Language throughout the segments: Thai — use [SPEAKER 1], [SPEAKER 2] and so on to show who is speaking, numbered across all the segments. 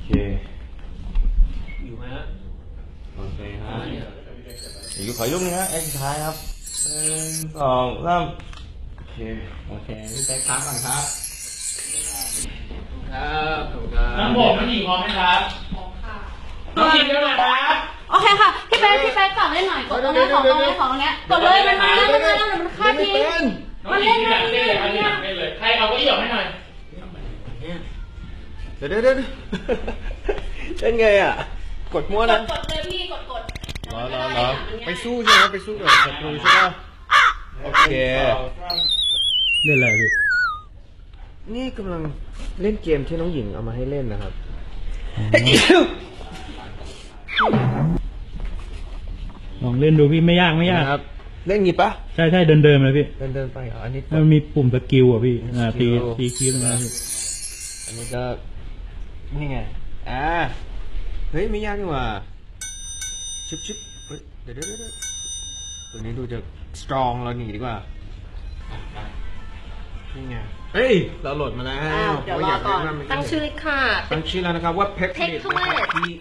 [SPEAKER 1] อยู่ไหมฮะ
[SPEAKER 2] โอเคฮะอยู่ขอยุ่งนะฮะสุดท้ายครับ1 2 3โอเคพี่แป๊กพักก่อนครับครับขอบคุณครับ
[SPEAKER 1] น้ำผมมันหญิงพร้อมไหมครับน้องหญิงเร็วหน่อยครับ
[SPEAKER 3] โอเคค่ะพี่เป๊กกลับเล่นหน่อยกดตรงนี้ของตรงนี้กดเลยมันมาแล้วมันฆ่าทิ้งมันเล่น
[SPEAKER 1] เลยใครเอาก็หยอกให้หน่อย
[SPEAKER 2] เดี๋ยวเล่นไงอ่ะกดมั่วนะ
[SPEAKER 3] กดเลยพี่กด
[SPEAKER 2] รอไปสู้ใช่ไหมไปสู้กับศัตรูใช่ไหมโอเค
[SPEAKER 1] เล่นอะไรพี่
[SPEAKER 2] นี่กำลังเล่นเกมที่น้องหญิงเอามาให้เล่นนะครับ
[SPEAKER 1] ลองเล่นดูพี่ไม่ยาก
[SPEAKER 2] ครับเล่นงี้ปะ
[SPEAKER 1] ใช่เดินเลยพี่
[SPEAKER 2] เดินไปเหรออันนี้
[SPEAKER 1] มันมีปุ่มสกิลอ่ะพี่ตีคีย์ตรงนั้นพี่
[SPEAKER 2] อันนี้ก็นี่ไงเฮ้ยไม่ยากนี่หว่าชิบเฮ้ยเดี๋ยวตัวนี้ดูจะสตรองเราหนีดีกว่านี่ไงเฮ้ยเราโหลดมาแล้ว
[SPEAKER 3] เดี๋ยวรอก่อนตั้งชื่อค่ะ
[SPEAKER 2] ตั้งชื่อแล้วนะครับว่า Pecklit นะครับ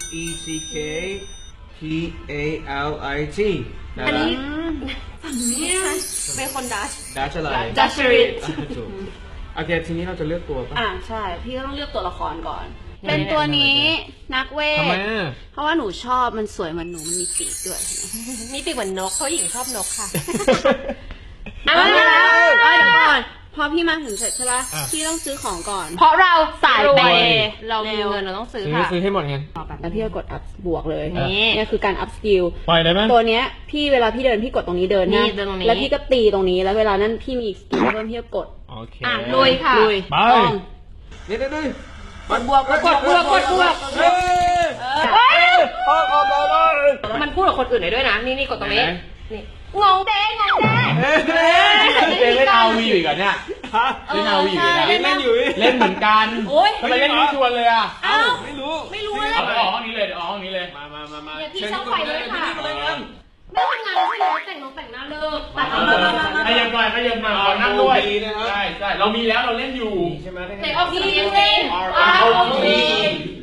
[SPEAKER 2] PECKTALIT
[SPEAKER 3] อันนี้ฝั่งนี้เป็นคนดัช
[SPEAKER 2] อะไร
[SPEAKER 3] ดัชริต
[SPEAKER 2] โอเคทีนี้เราจะเลือกตัวป่ะ
[SPEAKER 3] ใช่พี่ก็ต้องเลือกตัวละครก่อนเป็นตัวนี้นักเวทเพราะว่าหนูชอบมันสวยเหมือนหนูมันมีปีกด้วย
[SPEAKER 4] มีปีกเหมือนนกเพราะหญิงชอบนกค่ะ
[SPEAKER 3] เดี๋ยวก่อนพอพี่มาถึงเสร็จใช่ปะพี่ต้องซื้อของก่อน
[SPEAKER 4] เพราะเราสายเปย์เรามีเงินเราต้องซื้อค่ะ
[SPEAKER 2] ซื้อให้หมดไง
[SPEAKER 3] แล้วพี่ก็กด up บวกเลยนี่คือการ up skill
[SPEAKER 1] ปล่อยได้ไหม
[SPEAKER 3] ตัวเนี้ยพี่เวลาพี่เดินพี่กดตรงนี้เดินนะแล้วพี่ก็ตีตรงนี้แล้วเวลานั้นพี่มี skill เพิ่มพี่ก็กด
[SPEAKER 2] โอเค
[SPEAKER 4] ลุยค่ะ
[SPEAKER 3] ลุย
[SPEAKER 1] ไป
[SPEAKER 2] เดี๋ยว
[SPEAKER 3] กดบวก
[SPEAKER 4] มันพูดกับคนอื่นได้ด้วยนะนี่กดตรงนี้นี่งงเด้
[SPEAKER 2] เล่นเอาวีอยู่กันเนี่ยเล่นเอาวีอยู่นะเล่นอยู่เล่นเหมือนกันทำไมเล่นไม่ชวนเลยอ่ะไม่รู้
[SPEAKER 3] เลย
[SPEAKER 1] เอาห้องนี้เลยห้องนี้เลย
[SPEAKER 2] มา
[SPEAKER 3] พี่ช่องไฟเลยค่ะไม่ทำงานใช่ไหมแต่งหน้าเลิก
[SPEAKER 1] ขยับหน่อยนั่งด้วยใช่เรามีแล้วเราเล่นอยู่
[SPEAKER 2] ใช่ไหม
[SPEAKER 3] แต่ออกทีมเล่น